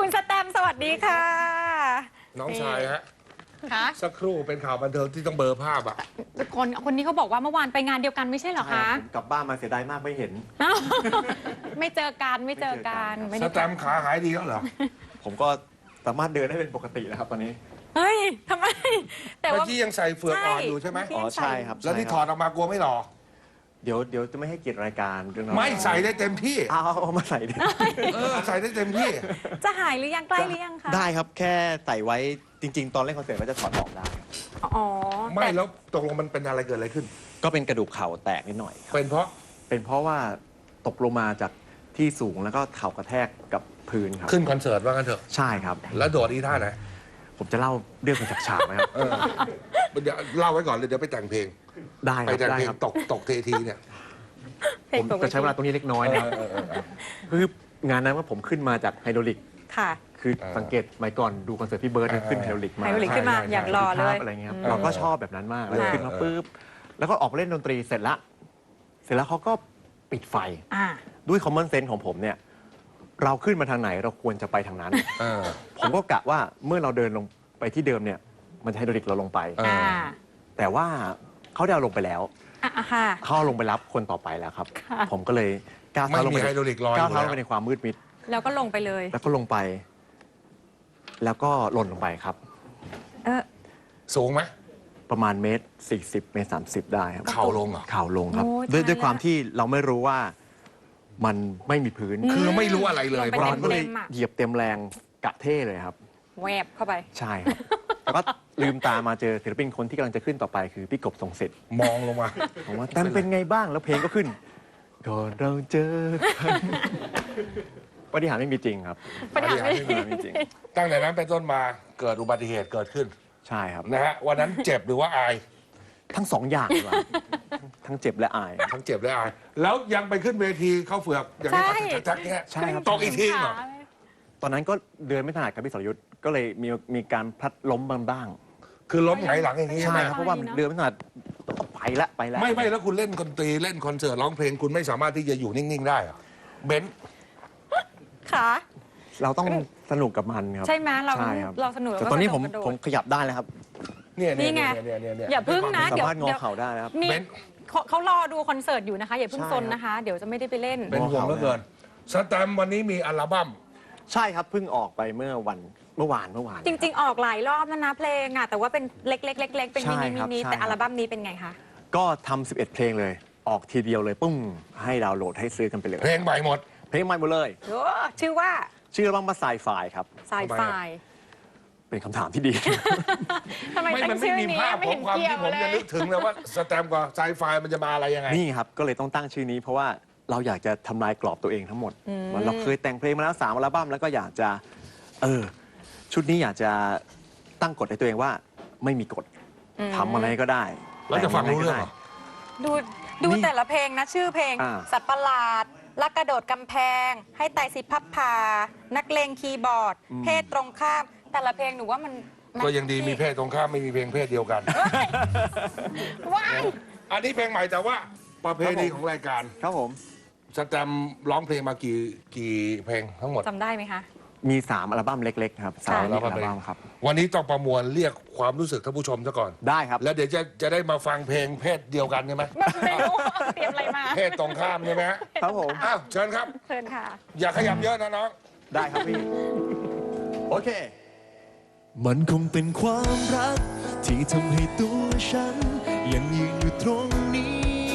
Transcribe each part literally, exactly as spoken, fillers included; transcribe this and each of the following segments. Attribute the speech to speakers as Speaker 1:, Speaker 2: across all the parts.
Speaker 1: คุณสแตมสวัสดีค่ะ
Speaker 2: น้องชายฮะ
Speaker 1: คะ
Speaker 2: สักครู่เป็นข่าวบันเทิงที่ต้องเบลอภาพอ่ะ
Speaker 1: คนคนนี้เขาบอกว่าเมื่อวานไปงานเดียวกันไม่ใช่เหรอคะ
Speaker 3: ผมกลับบ้านมาเสียดายมากไม่เห็น
Speaker 1: ไม่เจอกันไม่เจอกันไม่
Speaker 2: ส
Speaker 1: ได้
Speaker 2: แตมป์ขาหายดีแล้วเหรอ
Speaker 3: ผมก็สามารถเดินได้เป็นปกติแล้วครับตอนนี้
Speaker 1: เฮ้ยทำไมแต่
Speaker 2: เมื่อ
Speaker 1: ว่า
Speaker 2: กี้ยังใส่เฟือกอ่อนอยู่ใช่ไหม
Speaker 1: ใช่
Speaker 3: อ๋อใช่ครับ
Speaker 2: แล้วที่ถอดออกมากลัวไม่หล่อ
Speaker 3: เดี๋ยวเดี๋ยวจะไม่ให้เกียรติรายการเรื่องนั้น
Speaker 2: ไม่ใส่ได้เต็มที่
Speaker 3: เอาเอาเอามาใส่ดิ
Speaker 2: เออใส่ได้เต็มที่
Speaker 1: จะหายหรือยังใกล้หรือยังคะ
Speaker 3: ได้ครับแค่ใส่ไว้จริง ๆ ตอนเล่นคอนเสิร์ตก็จะถอดออกได้
Speaker 1: อ๋อ
Speaker 2: ไม่
Speaker 1: แต่
Speaker 2: แล้วตกลงมันเป็นอะไรเกิดอะไรขึ้น
Speaker 3: ก็เป็นกระดูกเข่าแตกนิดหน่อยครับ
Speaker 2: เป็นเพราะ
Speaker 3: เป็นเพราะว่าตกลงมาจากที่สูงแล้วก็เข่ากระแทกกับพื้นครับ
Speaker 2: ขึ้นคอนเสิร์ตว่ากันเถอะ
Speaker 3: ใช่ครับ
Speaker 2: แล้วโดดอีท่าไหน
Speaker 3: ผมจะเล่าเรื่องมาจากฉากไหมครับ
Speaker 2: เออเดี๋ยวเล่าไว้ก่อนเลยเดี๋ยวไปแต่งเพลง
Speaker 3: ได้ค
Speaker 2: ไป
Speaker 3: รับ
Speaker 2: แต่ง
Speaker 3: ได้
Speaker 2: เพลง
Speaker 3: ครับ
Speaker 2: ตกตกเททีเนี่ย
Speaker 1: เพล
Speaker 3: ผ
Speaker 1: ง
Speaker 3: ม
Speaker 1: ปก
Speaker 3: จะ
Speaker 1: ติ
Speaker 3: ใช้เวลาตรงนี้เล็กน้อยนะ
Speaker 2: เออเออเออ
Speaker 3: คืองานนั้นว่าผมขึ้นมาจากไฮดรอลิก
Speaker 1: ค่ะ
Speaker 3: คือ
Speaker 2: เออ
Speaker 3: สังเกตสมัยก่อนดูคอนเสิร์ตพี่เบิร์ดเนี่ย
Speaker 2: เออ
Speaker 3: ขึ้นไฮดรอลิกมา
Speaker 1: ไฮโดรลิกขึ้นมา
Speaker 2: ใช่ใช่
Speaker 1: อย่างรอเลย
Speaker 3: อะไรเงี้ยครับ
Speaker 1: อืม
Speaker 3: เราก็ชอบแบบนั้นมากแล้ว
Speaker 1: ค่ะ
Speaker 3: ขึ้นมาปุ๊บแล้วก็ออกมาเล่นดนตรีเสร็จละเสร็จแล้วเขาก็ปิดไฟ
Speaker 1: อ่า
Speaker 3: ด้วยคอมมอนเซนส์ของผมเนี่ยเราขึ้นมาทางไหนเราควรจะไปทางนั้น
Speaker 2: เออ
Speaker 3: ผมก็กะว่าเมื่อเราเดินลงไปที่เดิมเนี่ยมันจะไฮดรอลิกเราลงไป
Speaker 2: เออ
Speaker 1: อ่า
Speaker 3: แต่ว่าเขาได้เอาลงไปแล้ว
Speaker 1: อ่ะค่ะ
Speaker 3: เขาเอาลงไปรับคนต่อไปแล้วครับ
Speaker 1: ค่ะ
Speaker 3: ผมก็เลยก้าว
Speaker 2: ไม่
Speaker 3: เท้าลง
Speaker 2: มี
Speaker 3: ไป
Speaker 2: ไฮโดรลิกลอยอ
Speaker 3: ก้าว
Speaker 2: ยู่
Speaker 3: เท้าล
Speaker 2: แล้
Speaker 3: ง
Speaker 2: ว
Speaker 3: ไปในความมืดมิด
Speaker 1: แล้วก็ลงไปเลย
Speaker 3: แล้วก็ลงไป แล้วก็หล่นลงไปครับ
Speaker 1: เออ
Speaker 2: สูงไหม
Speaker 3: ประมาณเมตรสี่สิบเมตรสามสิบได้ครับ
Speaker 2: เข่าลงเหรอ
Speaker 3: เข่าลงครับ
Speaker 1: โอ้ย
Speaker 3: ด้วย
Speaker 1: ตาย
Speaker 3: ด้วยความ
Speaker 1: ละ
Speaker 3: ที่เราไม่รู้ว่ามันไม่มีพื้น
Speaker 2: คือไม่รู้อะไรเลย
Speaker 1: ลงไป
Speaker 3: เราก็เลย
Speaker 1: เต็มๆอะ
Speaker 3: เหยียบเต็มแรงกะเท่เลยครับ
Speaker 1: แวบเข้าไป
Speaker 3: ใช่ครับ แล้วก็ลืมตามาเจอศิลปินคนที่กำลังจะขึ้นต่อไปคือพี่กบทรงศิษย์
Speaker 2: มองลงมา
Speaker 3: ผมว่าแต้มเป็นไงบ้างแล้วเพลงก็ขึ้นก่อนเราเจอกันปฏิหารย์ไม่มีจริงครับ
Speaker 1: ปัญหาไม่
Speaker 3: ปฏิหารย์ไม่มีจริง
Speaker 2: ตั้งแต่นั้นเป็นต้นมาเกิดอุบัติเหตุเกิดขึ้น
Speaker 3: ใช่ครับ
Speaker 2: นะฮะวันนั้นเจ็บหรือว่าอาย
Speaker 3: ทั้งสองอย่างดีกว่าทั้งเจ็บและอาย
Speaker 2: ทั้งเจ็บและอาย แล้วยังไปขึ้นเวทีเข้าเฟือกอย่างนี้
Speaker 1: ใช่
Speaker 2: จักๆเนี่ย
Speaker 3: ใช่ครับ
Speaker 2: ตกอีกทีเหรอ
Speaker 3: ตอนนั้นก็เดินไม่ถนัดกับพี่สรยุทธ์ก็เลยมีมีการพลัดล้มบ้าง
Speaker 2: คือล้มหงายหลังอย่างนี้
Speaker 3: ๆ
Speaker 2: ใช่ไห
Speaker 3: ใช่
Speaker 2: ม
Speaker 3: ครับเพราะว่าเดินไม่ถนัดก็ไปละไปละ
Speaker 2: ไม่ไม่แล้วคุณเล่นดนตรีเล่นคอนเสิร์ตร้องเพลงคุณไม่สามารถที่จะอยู่นิ่ง ๆ ได้เหรอเบนซ์
Speaker 1: ค่ะ
Speaker 3: เราต้องสนุกกับมันครับ
Speaker 1: ใช่ไหมเรา
Speaker 3: ใช่ครับ
Speaker 1: เราสนุก
Speaker 3: แต่ตอนนี้ผม
Speaker 1: กระโดด
Speaker 3: ผมขยับได้แล้วครับ
Speaker 2: เนี่ย
Speaker 1: นี่
Speaker 2: เนี่ย
Speaker 1: ไง
Speaker 2: เนี่ยเนี่ยเนี่ย
Speaker 1: อย่าพึ่งนะ
Speaker 3: สา
Speaker 1: เดี๋ยว
Speaker 3: มารถงอเข่าได้แล้วครับ
Speaker 1: นี่
Speaker 2: เบนซ์
Speaker 1: เขาเขารอดูคอนเสิร์ตอยู่นะคะ อย่าเพิ่ง
Speaker 3: ใช่
Speaker 1: ซนนะคะ เดี๋ยวจะไม่ได้ไปเล่น
Speaker 2: เป็นห่วงเหลือเกินสแตมป์วันนี้มีอัลบั้ม
Speaker 3: ใช่ครับเพิ่งออกไปเมื่อวันเมื่อวานเมื่อวาน
Speaker 1: จริง ๆ ออกหลายรอบแล้วนะเพลงอ่ะแต่ว่าเป็นเล็กๆเล็กๆเป็นมิ
Speaker 3: ใช่
Speaker 1: นิ
Speaker 3: ครับ
Speaker 1: มินิ
Speaker 3: ใช่
Speaker 1: แต่อัลบั้มนี้เป็นไงคะ
Speaker 3: ก็ทำสิบเอ็ดเพลงเลย ออกทีเดียวเลยปุ้งให้ดาวน์โหลดให้ซื้อกันไปเลย
Speaker 2: เพลงใหม่หมด
Speaker 3: เพลงใหม่หมดเลย
Speaker 1: โอ้ชื่อว่า
Speaker 3: ชื่ออัลบั้มว่าไซไฟครับ
Speaker 1: สายไฟ
Speaker 3: เป็นคำถามที่ดี
Speaker 1: ทำไม
Speaker 2: ไม่
Speaker 1: ตั้
Speaker 2: มั
Speaker 1: ง
Speaker 2: นไม่
Speaker 1: ชื่อ
Speaker 2: มี
Speaker 1: นี้
Speaker 2: ภาพ
Speaker 1: ไม่
Speaker 2: ขอ
Speaker 1: เห็
Speaker 2: ง
Speaker 1: น
Speaker 2: ความ
Speaker 1: เกี่ย
Speaker 2: ที่
Speaker 1: ว
Speaker 2: ผม
Speaker 1: เล
Speaker 2: จะ
Speaker 1: ย
Speaker 2: นึกถึงเลยว่าสแตมป์กับไซไฟมันจะมาอะไรยังไง
Speaker 3: นี่ครับ ก็เลยต้องตั้งชื่อนี้เพราะว่าเราอยากจะทำลายกรอบตัวเองทั้งหมดเหมือนเราเคยแต่งเพลงมาแล้วสามอัลบั้มแล้วก็อยากจะเออชุดนี้อยากจะตั้งกฎให้ตัวเองว่าไม่มีกฎทำอะไรก็ได้
Speaker 2: แล้วจะฟังรู้เรื่องเหรอ
Speaker 1: ดูดู
Speaker 3: นี่
Speaker 1: แต่ละเพลงนะชื่อเพลง
Speaker 3: อ่า
Speaker 1: สัตว์ประหลาดลักกระโดดกำแพง ให้ไตรสิพับพา นักเลงคีย์บอร์ด เพศตรงข้าม แต่ละเพลงหนูว่ามันมัน
Speaker 2: ก็ยังดีมีเพศตรงข้ามไม่มีเพลงเพศเดียวกัน
Speaker 1: ว้าย
Speaker 2: อันนี้เพลงใหม่แต่ว่าประเพณีของรายการ
Speaker 3: ครับผม
Speaker 2: สแตมป์ร้องเพลงมากี่กี่เพลงทั้งหมด
Speaker 1: จำได้ไหมคะ
Speaker 3: มีสามอัลบั้มเล็กๆครับสาม
Speaker 1: ค่ะ
Speaker 3: อัลบั้มครับ
Speaker 2: วันนี้ต้องประมวลเรียกความรู้สึกท่านผู้ชมซะก่อน
Speaker 3: ได้ครับ
Speaker 2: แล้วเดี๋ยวจะจะได้มาฟังเพลงเพศเดียวกันใช่ไหม
Speaker 1: ไม่รู้เตรียมอะไรมา
Speaker 2: เพศตรงข้ามใช่ไหมฮะ
Speaker 3: ครับผม
Speaker 2: อ้าวเชิญครับ
Speaker 1: เชิญค่ะ
Speaker 2: อย่าขยับเยอะนะน้อง
Speaker 3: ได้ครับพี่ โอเค
Speaker 4: มันคงเป็นความรักที่ทำให้ตัวฉันยังยืนอยู่ตรงนี้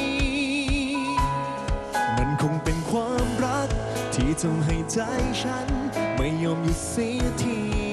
Speaker 4: มันคงเป็นความรักที่ทำให้ใจฉันไม่ยอมหยุดเสียที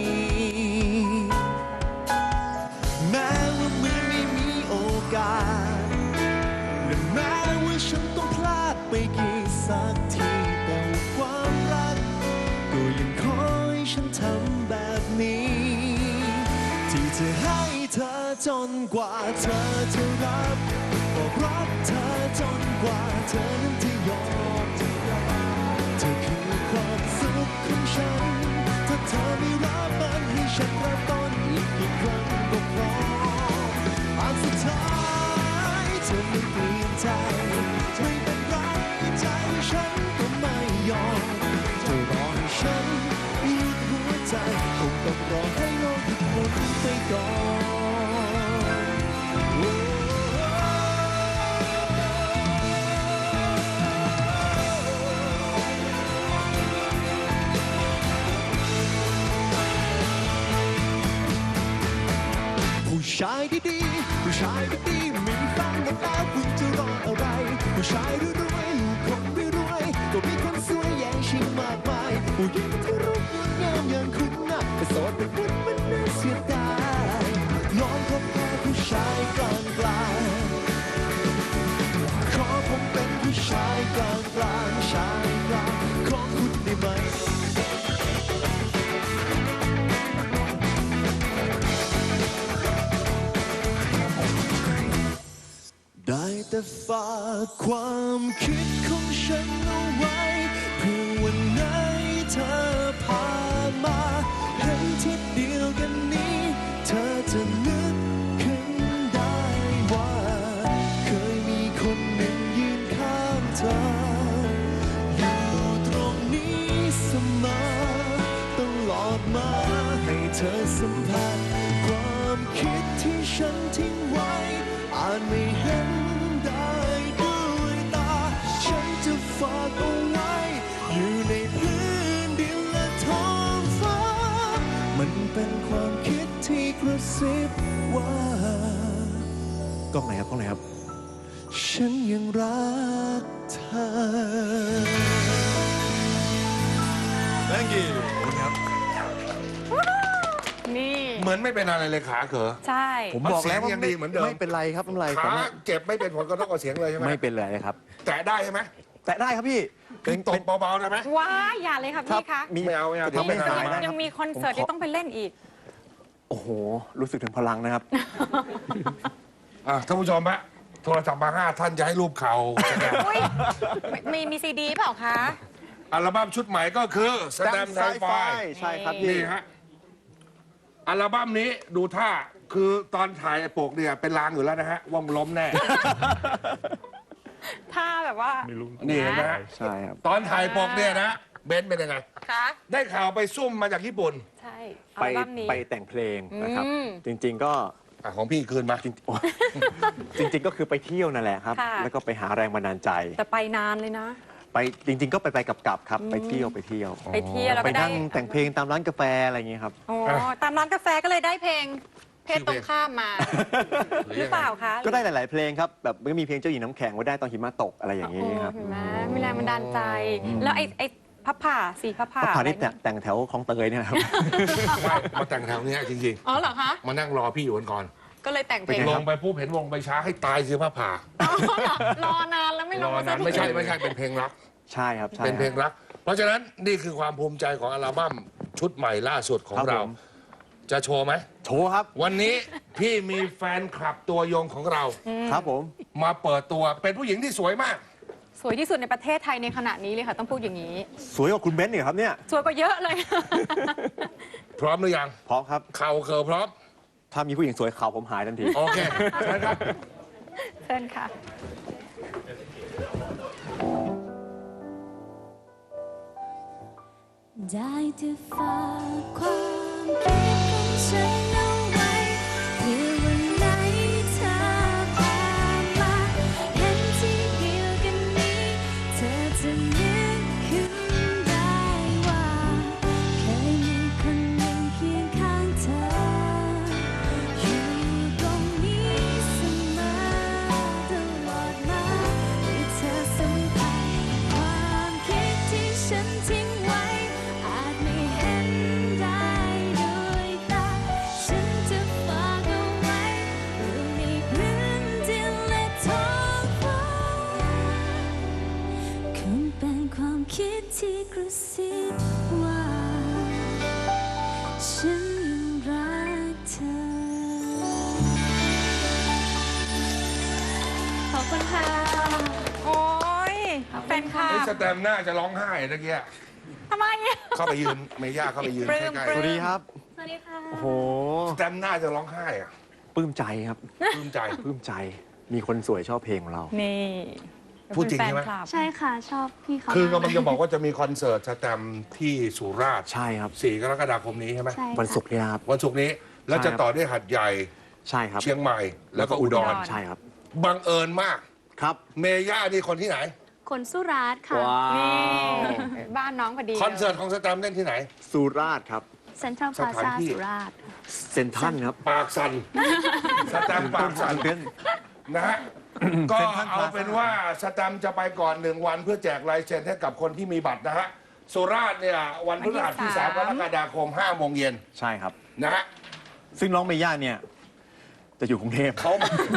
Speaker 4: แม้ว่ามือไม่มีโอกาสและแม้ว่าฉันต้องพลาดไปกี่สักทีแต่ว่าความรักก็ยังคอยฉันทำแบบนี้ ที่จะให้เธอจนกว่าเธอจะรับบอกรักเธอจนกว่าเธอนั้นจะยอมจะยอมเธอคือความสุขของฉันถ้าเธอไม่รับมันให้ฉันเริ่มต้นอีกกี่ครั้งก็พออันสุดท้ายเธอไม่เปลี่ยนใจไม่เป็นไรใจฉันก็ไม่ยอมเธอรอให้ฉันหยุดหัวใจคงต้องรอให้โลกหยุดหมุนไปก่อนโอ้ ผู้ชายดีๆผู้ชายดีๆมีแฟนกันแล้วคุณจะรออะไร ผู้ชายรวยๆลูกคนรวยๆก็มีคนสวยแย่งชิงมากมายผู้หญิงที่รูปงดงามอย่างคุณน่ะแต่โสดเป็นบุญมันน่าเสียดายลองพบหาผู้ชายกลางกลางขอผมเป็นผู้ชายกลางกลางชายกลางของคุณได้ไหมได้แต่ฝากความคิดของฉันเอาไว้เพื่อวันไหนเธอผ่านมาเห็นที่เดียวกันนี้เธอจะนึกขึ้นได้ว่าเคยมีคนหนึ่งยืนข้างเธออยู่ตรงนี้เสมอตลอดมาให้เธอสัมผัสความคิดที่ฉันทิ้งไว้อาจไม่เห็นได้ด้วยตาฉันจะฝากเอาไว้อยู่ในพื้นดินและท้องฟ้ามันเป็นความคิดที่กระซิบว่าก
Speaker 3: ล้องไหนครับกล้องไหนครับ
Speaker 4: ฉันยังรักเธอ
Speaker 3: thank you ครับ
Speaker 1: นี่
Speaker 2: เหมือนไม่เป็นอะไรเลยขาเขอ
Speaker 1: ใช่
Speaker 3: ผมบอกแล้วว่า
Speaker 2: เสียงยังดีเหมือนเดิม
Speaker 3: ไม่เป็นไรครับไม่เป็นไร
Speaker 2: ขา
Speaker 3: สามารถ
Speaker 2: เจ็บไม่เป็นผลกระทบกับเสียงเลยใช่ไหม
Speaker 3: ไม่เป็นไรครับ
Speaker 2: แตะได้ใช่ไหม
Speaker 3: แต่ได้ครับพี่
Speaker 2: คือตบเบาๆได้ไหม
Speaker 1: ว้ายอย่าเลยค่ะ
Speaker 3: ครั
Speaker 1: พี่คะ
Speaker 3: มี
Speaker 2: ไม่เอาไม่เอาเดี๋ยว
Speaker 3: ทำให้
Speaker 2: ไม่
Speaker 3: หาย
Speaker 2: ได้
Speaker 3: ได้
Speaker 1: ยังมีคอนเสิร์ตที่ต้องไปเล่นอีก
Speaker 3: โอ้โห รู้สึกถึงพลังนะครับ
Speaker 2: อ่ะท่านผู้ชมฮะโทรศัพท์มาห้าท่านจะให้รูปเข่าแสดง
Speaker 1: อุ้ยมีมีซีดีเปล่าคะ
Speaker 2: อัลบั้มชุดใหม่ก็คือสแตมป์ไซไฟ
Speaker 3: ใช่ครับพี่
Speaker 2: นี่ฮะอัลบั้มนี้ดูท่าคือตอนถ่ายปกเนี่ยเป็นลางอยู่แล้วนะฮะว่ามนล้มแน่
Speaker 1: ถ้าแบบว่า
Speaker 2: นี่เห็นไหมฮะ
Speaker 3: ใช่ครับ
Speaker 2: ตอนถ่ายปกเนี่ยนะเบนซ์เป็นยังไง
Speaker 1: คะ
Speaker 2: ได้ข่าวไปซุ่มมาจากญี่ปุ่น
Speaker 1: ใช่อั
Speaker 3: ไป
Speaker 1: ลบั้มนี้
Speaker 3: ไปแต่งเพลงนะครับ
Speaker 1: อืม
Speaker 3: จริง ๆ ก็
Speaker 2: อ่ะของพี่คืนมา
Speaker 3: จริงโอ้ จริง ๆ ก็คือไปเที่ยวนั่นแหละครับ
Speaker 1: ค่ะ
Speaker 3: แล้วก็ไปหาแรงบันดาลใจ
Speaker 1: แต่ไปนานเลยนะ
Speaker 3: ไปจริง ๆ ก็ไปไปกลับๆครับ ไปเที่ยวไปเที่ยว
Speaker 1: ไปเที่ยวแล้ว
Speaker 3: ไป
Speaker 1: ก็ได้
Speaker 3: นั่งแต่งเพลงตามร้านกาแฟอะไรอย่างเงี้ยครับ
Speaker 1: โอ้ตามร้านกาแฟก็เลยได้เพลง เพศตรงข้ามมา หรือเปล่าคะ
Speaker 3: ก็ได้หลาย ๆ เพลงครับ แบบก็มีเพลงเจ้าหญิงน้ำแข็งไว้ได้ตอนหิมะตกอะไรอย่าง
Speaker 1: โอ้
Speaker 3: นี้ครับ
Speaker 1: เห็นไหมมีแรงบันดาลใจ แล้วไอ้ไอ้พับผ่าสีพับผ่า
Speaker 3: ก็ผ่านที่
Speaker 1: อะไร
Speaker 3: แต่งแถวคลองเตยเนี่ยครับ
Speaker 2: ไม่มาแต่งแถวเนี้ยจริง
Speaker 1: อ๋อเหรอคะ
Speaker 2: ๆ มานั่งรอพี่อยู่กันก่อน
Speaker 1: ก็เลยแต่งเพลง
Speaker 3: เป็นไง
Speaker 2: ล
Speaker 3: ครั
Speaker 2: ง
Speaker 3: บ
Speaker 2: ไปปุ๊บเห็นวงไปช้าให้ตายสิพระผ่า
Speaker 1: อ๋อเหรอรอนานแล้วไม่ล
Speaker 2: รง อ
Speaker 1: มาสั
Speaker 2: นั้
Speaker 1: ก
Speaker 2: น
Speaker 1: ที
Speaker 2: ไม่ใช่ไม่ใช่เป็นเพลงรัก
Speaker 3: ใช่ครับใช่
Speaker 2: เป็นเพลง
Speaker 3: ครับ
Speaker 2: รัก เพราะฉะนั้นนี่คือความภูมิใจของอัลบั้มชุดใหม่ล่าสุดของ
Speaker 3: ครับ
Speaker 2: เรา
Speaker 3: ผม
Speaker 2: จะโชว์ไหม
Speaker 3: โชว์ครับ
Speaker 2: วันนี้พี่มีแฟนคลับตัวยงของเรา
Speaker 3: ครับผม
Speaker 2: มาเปิดตัวเป็นผู้หญิงที่สวยมาก
Speaker 1: สวยที่สุดในประเทศไทยในขณะนี้เลยค่ะ ต้องพูดอย่างนี้
Speaker 3: สวยกว่าคุณเบนซ์เนี่ยครับเนี่ย
Speaker 1: สวยกว่าเยอะเลย
Speaker 2: พร้อมหรือยัง
Speaker 3: พร้อมครับ
Speaker 2: เข่าเคิร์พร้อม
Speaker 3: ถ้ามีผู้หญิงสวยเขาผมหายทันที
Speaker 2: โอเคเชิญครับ
Speaker 1: เชิญค่ะ
Speaker 5: ได้แต่ฝากความคิดของฉันเอาไว้เพื่อวันไหนเธอผ่านมาเห็นที่เดียวกันนี้เธอจะนึกขึ้นได้ว่าเคยมีคนหนึ่งเคียงข้างเธออยู่ตรงนี้เสมอตลอดมาให้เธอสัมผัสความคิดที่ฉันทิ้งไว้อาจไม่เห็นได้ด้วยตาฉันจะฝากเอาไว้อยู่ในพื้นดินและท้องฟ้าคงเป็นความคิดที่กระซิบว่าฉันยังรักเธอ ขอบคุณค่ะ
Speaker 1: โอ้ยแฟนคลั
Speaker 2: ไอ้
Speaker 1: บ
Speaker 2: สแตมป์น่าจะร้องไห้ตะเกีย
Speaker 1: ทำไมอ่ะ
Speaker 2: เข้าไปยืนเมย่าเข้าไปยืน
Speaker 1: ปลื้
Speaker 2: ใก
Speaker 1: ม
Speaker 2: ล้
Speaker 1: ปลื้
Speaker 3: สวัสดีครับ
Speaker 5: สวัสดีค่ะ
Speaker 3: โอ้โห
Speaker 2: ๆสแตมป์น่าจะร้องไห้อะ
Speaker 3: ปลื้มใจครับ
Speaker 2: ปลื้มใจ
Speaker 3: ปลื้มใจ มีคนสวยชอบเพลงของเรา
Speaker 1: นี่
Speaker 2: พูดจริงใช่ไหม
Speaker 1: เป็นแฟนคลับ
Speaker 5: ใช่ค่ะ ชอบพี่เขา
Speaker 2: คือกำลั
Speaker 5: มาง
Speaker 2: จะบอกว่าจะมีคอนเสิร์ตสแตมป์ที่สุราษฎร์
Speaker 3: ใช่ครับ
Speaker 2: สี่กรกฎาคมนี้ใช่ไหม
Speaker 5: ใช่ค่ะ
Speaker 3: วันศุกร์นี้นะครับ
Speaker 2: วันศุกร์นี้แล้วจะต่อด้วยหัดใหญ่
Speaker 3: ใช่ครับ
Speaker 2: เชียงใหม่ แล้วก็อุดร
Speaker 3: ใช่ครับ
Speaker 2: บังเอิญมาก
Speaker 3: ครับ
Speaker 2: เมย่านี่คนที่ไหน
Speaker 5: คนสุราษฎร์ค่ะ
Speaker 3: ว้าว
Speaker 1: นี่บ้านน้องพอดี
Speaker 2: คอนเสิร์ตของสแตมป์เล่นที่ไหน
Speaker 3: สุราษฎร์ครับ
Speaker 5: เซ็นทรัลพลา
Speaker 2: สถาน
Speaker 5: ซ่า
Speaker 2: ที่
Speaker 5: สุราษฎร์ค่ะ
Speaker 3: เซนทรันครับ
Speaker 2: ปากสันสแตมป์ปากสัน
Speaker 3: เต้น
Speaker 2: นะฮะ ก็
Speaker 3: เซ็นทรัลพ
Speaker 2: เอา
Speaker 3: ลาซ่า
Speaker 2: เป็นว่าสแตมป์จะไปก่อนหนึ่งวันเพื่อแจกลายเซ็นให้กับคนที่มีบัตรนะฮะสุราษฎร์เนี่ยวันพฤหัสที่สามกรกฎาคมห้าโมงเย็น
Speaker 3: ใช่ครับ
Speaker 2: นะฮะ
Speaker 3: ซึ่งน้องเมย่าเนี่ยจะอยู่กรุงเทพ
Speaker 2: เขา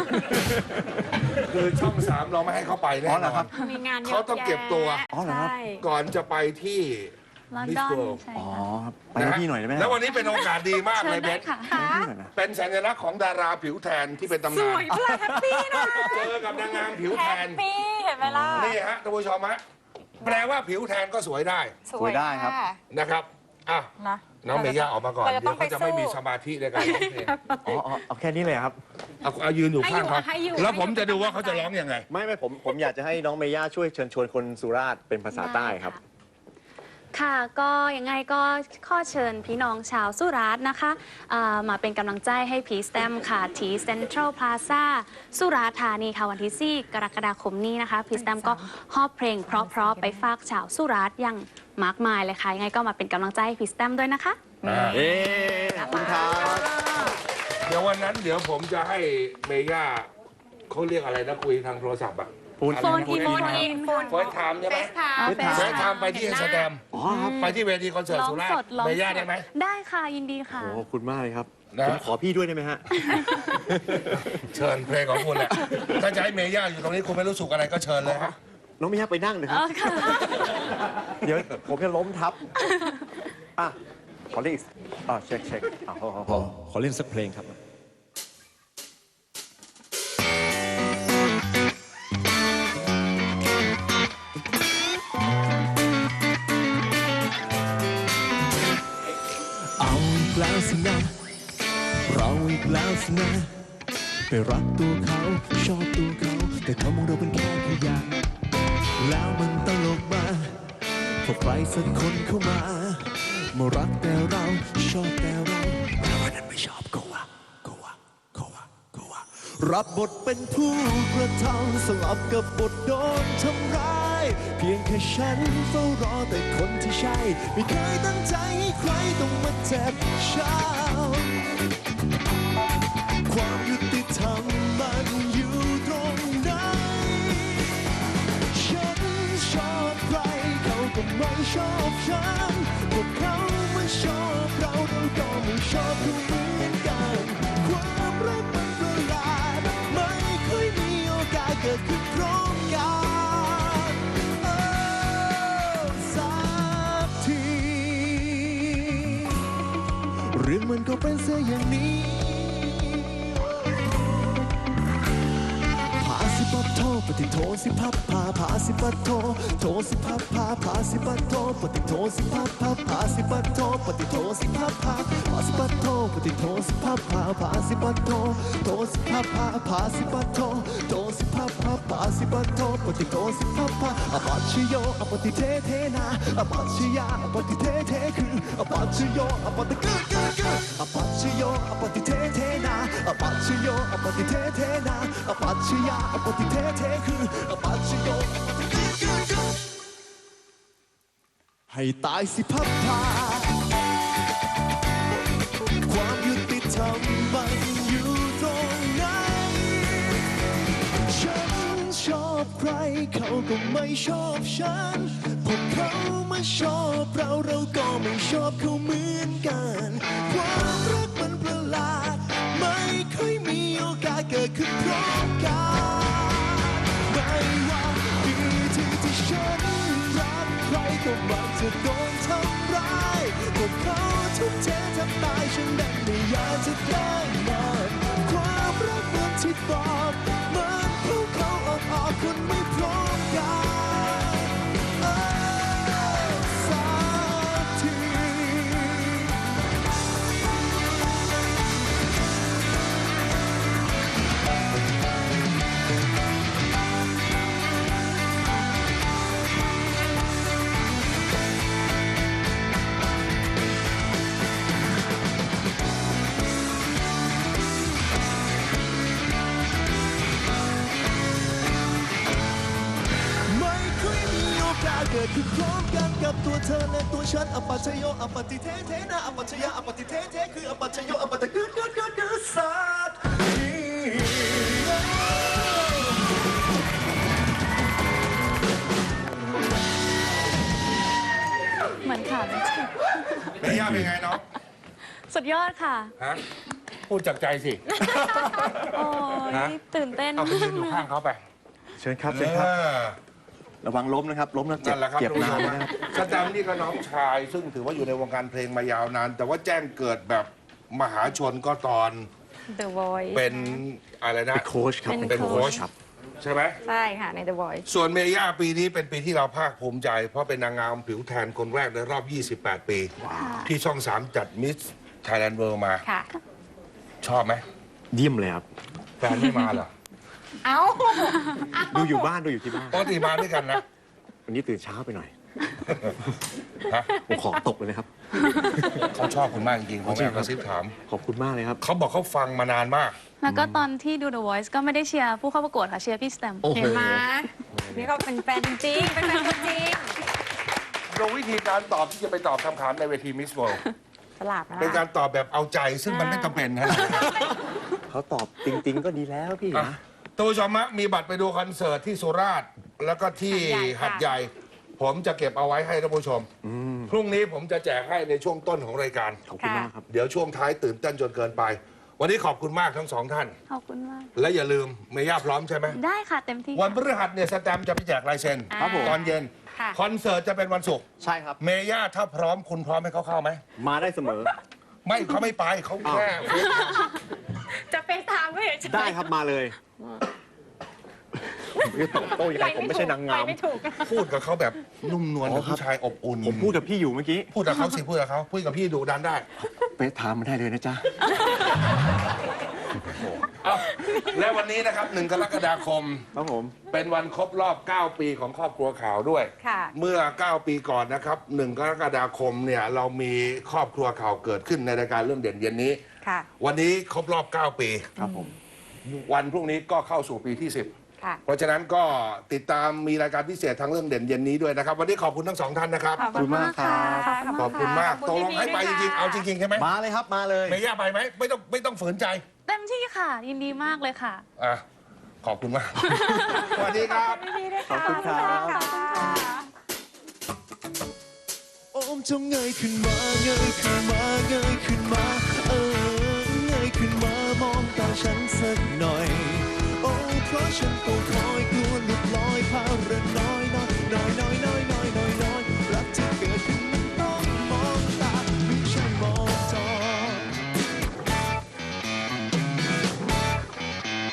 Speaker 2: คือช่องสามเราไม่ให้เขาไปแน่
Speaker 3: อ๋อเห
Speaker 2: น
Speaker 3: รอ
Speaker 2: อ
Speaker 3: ครั
Speaker 2: น
Speaker 3: บ
Speaker 1: มีงานยะ
Speaker 2: เขาต้องเก็บตัว
Speaker 1: แยะ
Speaker 3: อ๋อเหรอครับ
Speaker 1: ใช่
Speaker 2: ก่อนจะไปที่
Speaker 5: ลอน
Speaker 2: Miss
Speaker 5: ดอน
Speaker 2: World
Speaker 5: ใช่
Speaker 3: อ๋อ
Speaker 5: ค่ะ
Speaker 3: ครับไปให้พี่หน่อยได้ไหม
Speaker 2: แล้ววันนี้เป็นโอกาสดีมาก
Speaker 5: เชิ
Speaker 2: เล
Speaker 5: ญ
Speaker 2: ยเบ
Speaker 5: ได้
Speaker 2: น
Speaker 5: ค่ะ
Speaker 3: ให้พี่หน่อยนะ
Speaker 2: เป็นสัญลักษณ์ของดาราผิวแทนที่เป็นตำ
Speaker 1: ส
Speaker 2: นาน
Speaker 1: วยพลาแฮปปี้นะ
Speaker 2: เจอกับนางงามผิว
Speaker 1: แฮ
Speaker 2: แท
Speaker 1: ป
Speaker 2: น
Speaker 1: ปี้เห็นไหมล่ะ
Speaker 2: นี่ฮะท่านผู้ชมฮะแปลว่าผิวแทนก็สวยได้
Speaker 1: สวย
Speaker 3: ได้ครับ
Speaker 1: ะ
Speaker 2: นะครับอ่ะ
Speaker 1: นะ
Speaker 2: น้องเมย่าออกมาก่อน
Speaker 1: เราจะ
Speaker 2: เดี๋
Speaker 1: ต้
Speaker 2: ย
Speaker 1: อ
Speaker 2: ว
Speaker 1: งไป
Speaker 2: เขาจะไม่
Speaker 1: สู้
Speaker 2: มีสมาธิในการร้องเพลง
Speaker 3: อ๋ออ๋อเอาแค่นี้เลยครับ
Speaker 2: เอาเอายืนอยู่ข้างเขา
Speaker 1: ให้อยู่
Speaker 2: แล้วผม
Speaker 1: ให้อยู่
Speaker 2: จะดูว่าเขาจะร้องยังไง
Speaker 3: ไม่ไม่ผมผมอยากจะให้น้องเมย่าช่วยเชิญชวนคนสุราษฎร์เป็นภาษาใต้ครับ
Speaker 5: ค่ะ ก็ยังไงก็ข้อเชิญพี่น้องชาวสุราษฎร์นะคะอ่ามาเป็นกำลังใจให้พีสแตมค่ะที่เซ็นทรัลพลาซ่าสุราษฎร์ธานีค่ะวันที่สี่กรกฎาคมนี้นะคะพีสแตมก็ฮอบเพลงเพราะๆไปฝากชาวสุราษฎร์อย่างมากมายเลยค่ะยังไงก็มาเป็นกำลังใจให้พีสแตมด้วยนะคะ
Speaker 3: เอ๊ขอบคุณครับ
Speaker 2: เดี๋ยววันนั้นเดี๋ยวผมจะให้เมย่าเขาเรียกอะไรนะคุยทางโทรศัพท์อะ
Speaker 3: ปูน
Speaker 2: อะไร
Speaker 1: โฟน
Speaker 2: นะ
Speaker 1: อินโฟนอิน
Speaker 2: เฟิร์สไทม์ใช่ไหม
Speaker 1: เฟสไทม์
Speaker 3: เฟซไทม์
Speaker 2: เฟิร์สไทม์ไปที่สแตมป์
Speaker 3: อ๋อครับ
Speaker 2: ไปที่เวทีคอนเสิร์ต
Speaker 5: ร้อง
Speaker 2: สุราษ
Speaker 5: ส
Speaker 2: ฎ
Speaker 5: ด
Speaker 2: ร์
Speaker 5: ร้อง
Speaker 2: เม
Speaker 5: ส
Speaker 2: ย่า
Speaker 5: ด
Speaker 2: ได้ไหม
Speaker 5: ได้ค่ะยินดีค่ะ
Speaker 3: โอ้ขอบคุณมากเลยครับ
Speaker 2: นะ
Speaker 3: ผมขอพี่ด้วยได้ไหมฮะ
Speaker 2: เชิญเพลงของคุณแหละถ้าจะให้เมย่าอยู่ตรงนี้คุณไม่รู้สึกอะไรก็เชิญเลยฮะ
Speaker 3: น้องเมย่าไปนั่งเลยครับ เดี๋ยวผมจะล้มทับ อ่ะ ขอเรียกอีกอ่ะเช็คเช็คอ่ะขอขอข
Speaker 6: ข
Speaker 3: อ
Speaker 6: อขอเล่นสักเพลงครับ
Speaker 4: เอาอีกแล้วสินะเราอีกแล้วสินะไปรักตัวเขาชอบตัวเขาแต่เขามองเราเป็นแค่ขยะแล้วมันตลกมาพอใครสักคนเข้ามามารักแต่เราชอบแต่เราแต่วันนั้นไม่ชอบก็ว่าก็ว่าก็ว่าก็ว่ารับบทเป็นผู้กระทำสลับกับบทโดนทำร้ายเพียงแค่ฉันเฝ้ารอแต่คนที่ใช่ไม่เคยตั้งใจให้ใครต้องมาเจ็บช้ำความยุติธรรมมันอยู่ตรงไหนฉันชอบใครเขาก็ไม่ชอบฉันพวกเขาไม่ชอบเราเราก็ไม่ชอบเขาเหมือนกันความรักมันประหลาดไม่ค่อยมีโอกาสเกิดขึ้นพร้อมกันโอ้สักทีเรื่องมันก็เป็นเสียอย่างนี้พาสิปัดโทปฏิโทสิพับพาพาสิปัดโทโทสิพับพาพาสิปัดโทปฏิโทสิพับพาพาสิปัดโทปฏิโทสิพับพาพาสิปัดโทปฏิโทสิพับพาพาสิปัดโทโทสิพับพาพาสิปัดโทโทสิพับพาพาสิปัดโทปฏิโทสิพับพาอปัจฉโยอปฏิเทเทนาอปัจฉยาอปฏิเทเทคืออปัจฉโยอปฏิกึกกึกกึกอปัจฉโยอปฏิเทเทนาอปัจฉโยอปฏิเทเทนาอปัจฉยาอปฏิเทเทคืออปัจฉโยอปฏิกึกกึกกึกให้ตายสิพับพาความยุติธรรมมันอยู่ตรงไหนฉันชอบใครเขาก็ไม่ชอบฉันพวกเขามาชอบเราเราก็ไม่ชอบเขาเหมือนกันความรักมันประหลาดไม่ค่อยมีโอกาสเกิดขึ้นพร้อมกันไม่ว่าดีที่ที่ฉันรักใครก็มักจะโดนทำร้ายพวกเขาทุกเททำตายฉันดันไม่อยากจะแกล้งมันความรักเหมือนที่บอกมันเข้าเขาออกออกคนไม่พร้อมกันเออสักที
Speaker 5: ค
Speaker 4: คือพร้อมกันกับตัวเธอและตัวฉันอปัจจโยอปัตติเทเทนะอปัจจยาอปัตติเทเทคืออปัจจโยอปัตติกึดกึดกึดกึดสัตว์
Speaker 5: เหมือนค่ะ
Speaker 2: เมย่าเป็นไงน้อง
Speaker 5: สุดยอดค่ะ
Speaker 2: ฮะพูดจากใจสิ
Speaker 5: โอ้
Speaker 2: ฮะ
Speaker 5: ยตื่นเต้น
Speaker 2: เอาไปยืนอยู่ข้างเขาไป
Speaker 3: เชิญครับเชิญครับ
Speaker 2: เออ
Speaker 3: ระวังล้มนะครับ ล้มแล้วเจ็บ
Speaker 2: นั่นแหละครับ
Speaker 3: เจ็บ
Speaker 2: ทุก
Speaker 3: นา
Speaker 2: ผู้ช
Speaker 3: น
Speaker 2: ม
Speaker 3: นะครับ
Speaker 2: สแตมป์นี่ก็น้องชาย ซึ่งถือว่าอยู่ในวงการเพลงมายาวนาน แต่ว่าแจ้งเกิดแบบมหาชนก็ตอน
Speaker 1: The Voice
Speaker 2: เป็นอะไรนะ
Speaker 3: เป็นโค้ชครับ
Speaker 2: เป็นโค้ช
Speaker 3: ครับ
Speaker 2: ใช่ไหม
Speaker 1: ใช่ค่ะ ใน The Voice
Speaker 2: ส่วนเมย่าปีนี้เป็นปีที่เราภาคภูมิใจ เพราะเป็นนางงามผิวแทนคนแรกในรอบ ยี่สิบแปด ปี ที่ช่อง สาม จัดมิสไทยแลนด์เวิลด์มา
Speaker 1: ค่ะ
Speaker 2: ชอบไหม
Speaker 3: เยี่ยมเลยครับ
Speaker 2: แฟนไม่มาเหรอ
Speaker 1: เอ้า
Speaker 3: ดูอยู่บ้านดูอยู่ที่บ้าน
Speaker 2: ปกติมาด้วยกันนะ
Speaker 3: วันนี้ตื่นเช้าไปหน่อย
Speaker 2: ฮะ
Speaker 3: ผมขอตกเลยนะครับ
Speaker 2: เขาชอบคุณมากจริงๆผมแอบกระซิบถาม
Speaker 3: ขอบคุณมากเลยครับ
Speaker 2: เขาบอกเขาฟังมานานมาก
Speaker 5: แล้วก็ตอนที่ดู The Voice ก็ไม่ได้เชียร์ผู้เข้าประกวดค่ะเชียร์พี่สแตมป์
Speaker 3: โอ้โห
Speaker 1: เห็นไหมนี่เขาเป็นแฟนจริงๆเป็นแฟนตัวจริง
Speaker 2: โดยวิธีการตอบที่จะไปตอบคำถามในเวทีมิสเวิลด์
Speaker 1: สลับนะ
Speaker 2: เป็นการตอบแบบเอาใจซึ่งมันไม่จำเป็นนะ
Speaker 3: เขาตอบจริง ๆ ก็ดีแล้วพี่
Speaker 2: อ่ะ
Speaker 3: นะ
Speaker 2: ท่านผู้ชมฮะมีบัตรไปดูคอนเสิร์ตที่สุราษฎร์แล้วก็ที่หัดใหญ่ ผมจะเก็บเอาไว้ให้ท่านผู้ชม พรุ่งนี้ผมจะแจกให้ในช่วงต้นของรายการ
Speaker 3: ขอบคุณมากครับ
Speaker 2: เดี๋ยวช่วงท้ายตื่นเต้นจนเกินไป วันนี้ขอบคุณมากทั้งสองท่าน
Speaker 5: ขอบคุณมาก
Speaker 2: และอย่าลืมเมย่าพร้อมใช่ไหม
Speaker 5: ได้ค่ะเต็มที่
Speaker 2: วันพฤหัสเนี่ยสแตมป์จะไปแจกลายเซ็น
Speaker 3: ครับผม
Speaker 2: ตอนเย็น
Speaker 1: ค่ะ
Speaker 2: คอนเสิร์ตจะเป็นวันศุกร์
Speaker 3: ใช่ครับ
Speaker 2: เมย่าถ้าพร้อมคุณพร้อมให้เขาเข้าไหม
Speaker 3: มาได้เสมอ
Speaker 2: ไม่เขาไม่ไปเขาแค่
Speaker 1: จะไปตามก็เฉยๆ
Speaker 3: ได้ครับมาเลยผมจะตอบโต้ยังไงผมไม่ใช่นางงาม
Speaker 1: ไปไม่ถูก
Speaker 2: พูดกับเขาแบบนุ่มนวล
Speaker 3: อ๋
Speaker 2: กับ
Speaker 3: อครับ
Speaker 2: ผู้ชายอบอุ่น
Speaker 3: ผมพูดกับพี่อยู่เมื่อกี้
Speaker 2: พูดกับเขาสิพูดกับเขาพูดกับพี่ดูดันได้
Speaker 3: เฟซไทม์มาได้เลยนะจ๊ะ
Speaker 2: เอาและวันนี้นะครับหนึ่งกรกฎาคม
Speaker 3: ครับผม
Speaker 2: เป็นวันครบรอบ เก้า ปีของครอบครัวข่าวด้วย
Speaker 1: ค่ะ
Speaker 2: เมื่อ เก้า ปีก่อนนะครับหนึ่งกรกฎาคมเนี่ยเรามีครอบครัวข่าวเกิดขึ้นในรายการเรื่องเด่นเย็นนี้
Speaker 1: ค่ะ
Speaker 2: วันนี้ครบรอบ เก้า ปี
Speaker 3: ครับผม
Speaker 2: วันพรุ่งนี้ก็เข้าสู่ปีที่ สิบ
Speaker 1: ค่ะ
Speaker 2: เพราะฉะนั้นก็ติดตามมีรายการพิเศษทางเรื่องเด่นเย็นนี้ด้วยนะครับ วันนี้ขอบคุณทั้งสองท่านนะครับ
Speaker 1: ขอบคุณมากค่ะ
Speaker 2: ขอบคุณมากตกลงให้ไปจริงๆ เอาจริงๆ ใช่ไหม
Speaker 3: มาเลยครับมาเลย
Speaker 2: เมย่าไปไหมไม่ต้องไม่ต้องฝืนใจ
Speaker 5: เต็มที่ค่ะ ยินดีมากเลยค่ะ
Speaker 2: อ่ะ ขอบคุณมาก สวัสดีครับ
Speaker 3: ขอบคุณครับ
Speaker 4: โอมจงเงยขึ้นมาเงยขึ้นมาเงยขึ้นมาเออเงยขึ้นมามองตาฉันสักหน่อย โอ้เพราะฉันตัว